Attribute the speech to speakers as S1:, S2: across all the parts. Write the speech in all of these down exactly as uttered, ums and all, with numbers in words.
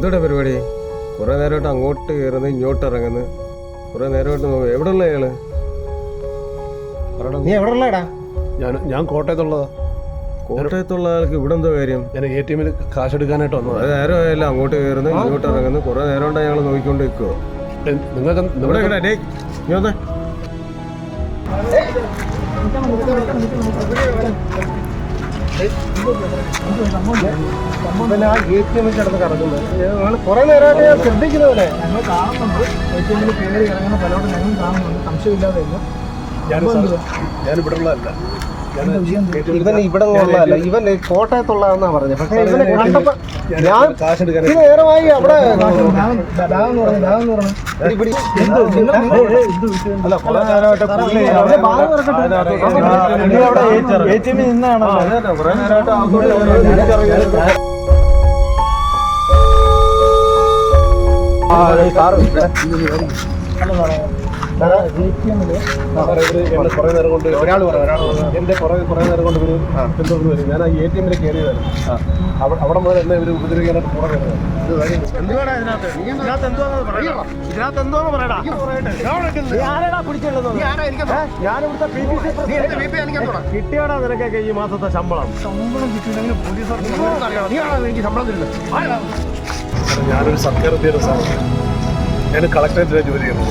S1: എന്തുടെ പരിപാടി? കുറെ നേരമായിട്ട് അങ്ങോട്ട് കയറുന്നു ഇങ്ങോട്ട് ഇറങ്ങുന്നു. കുറെ നേരമായിട്ട് നോക്കും. എവിടെ ഉള്ള അയാള്?
S2: നീ എവിടെ ഉള്ളടാ?
S3: ഞാൻ ഞാൻ കോട്ടയത്തുള്ളതാ.
S1: കോട്ടയത്തുള്ള ആൾക്ക് ഇവിടെ എന്തോ കാര്യം?
S3: ഞാൻ എ ടി എമ്മിൽ കാശ് എടുക്കാനായിട്ട് വന്നത്.
S1: കുറെ നേരം ആയല്ലോ അങ്ങോട്ട് കയറുന്നു ഇങ്ങോട്ട് ഇറങ്ങുന്നു. കുറെ നേരം കൊണ്ട് അയാൾ നോക്കിക്കൊണ്ട് നിൽക്കുവോ?
S3: നിങ്ങൾക്ക്
S1: ഇവിടെ നീ വന്നേ.
S2: കുറെ നേരമായിട്ട് ഞാൻ ശ്രദ്ധിക്കുന്നതല്ലേ?
S4: ഞങ്ങൾ കാണുന്നുണ്ട്. എ ടി എമ്മിൽ കയറി ഇറങ്ങുന്ന പലരോടും ഞങ്ങൾ കാണുന്നുണ്ട്. സംശയമില്ലാതെ
S3: ഞാൻ ഞാൻ ഇവിടെ ഉള്ളതല്ല.
S2: ഇവൻ ഇവിടെ ഉള്ളതല്ല, ഇവൻ കോട്ടയത്തുള്ളതെന്നാ പറഞ്ഞത്. പക്ഷെ ഇവനെ കണ്ടപ്പോ ഞാൻ
S3: കാശ് എടുക്കാൻ
S2: ഈ നേരമായി അവിടെ
S4: ബാഗെന്ന് പറഞ്ഞു ബാഗെന്ന് പറഞ്ഞു
S2: അല്ല കുറെ നേരമായിട്ട് പുള്ളി അവിടെ എ ടി എമ്മിൽ നിന്നാണോ? കുറെ നേരമായിട്ട്
S3: കുറെ നേരം കൊണ്ട് ഒരാൾ എന്റെ കുറെ കുറെ നേരം കൊണ്ട് ഇവര് എന്തോന്ന് വരും. ഞാൻ ആ എ ടി എമ്മിൽ കയറിയതായിരുന്നു. അവിടെ മുതൽ എന്നെ ഇവര് ഉപദ്രവിക്കാനായിട്ട് കൂടെ വരുന്നത്.
S2: കിട്ടിയാടാ നിനക്കൊക്കെ ഈ മാസത്തെ ശമ്പളം?
S4: ശമ്പളം കിട്ടിയില്ലെങ്കിൽ പോലീസ്
S3: ഞാനൊരു സർക്കാർ ഉദ്യോഗസ്ഥനാണ്. ഞാൻ കളക്ടറേറ്റിലാണ് ജോലി ചെയ്യുന്നത്.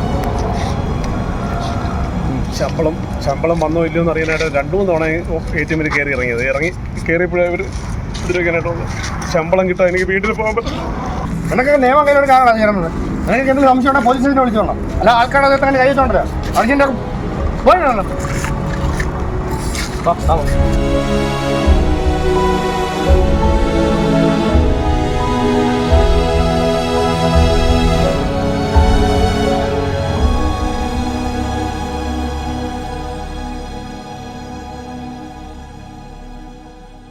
S3: ശമ്പളം ശമ്പളം വന്നോ ഇല്ലയോ എന്ന് അറിയാനായിട്ട് രണ്ടു മൂന്ന് തവണ എ ടി എമ്മിൽ കയറി ഇറങ്ങിയത്. ഇറങ്ങി കയറിയപ്പോഴേ അവർ ഉപദ്രവിക്കാനായിട്ട് വന്നു. ശമ്പളം കിട്ടാൻ എനിക്ക് വീട്ടിൽ പോകാൻ പറ്റും.
S2: നിനക്ക് നിയമം കയ്യിലൊരു കാണാൻ ചേർന്നത്. നിനക്ക് എന്തെങ്കിലും സംശയം ഉണ്ടെങ്കിൽ പോലീസ് സ്റ്റേഷനെ വിളിച്ചോളാം. അല്ല ആൾക്കാരുടെ തന്നെ കഴിച്ചോണ്ടല്ലോ അർജന്റ് പോയി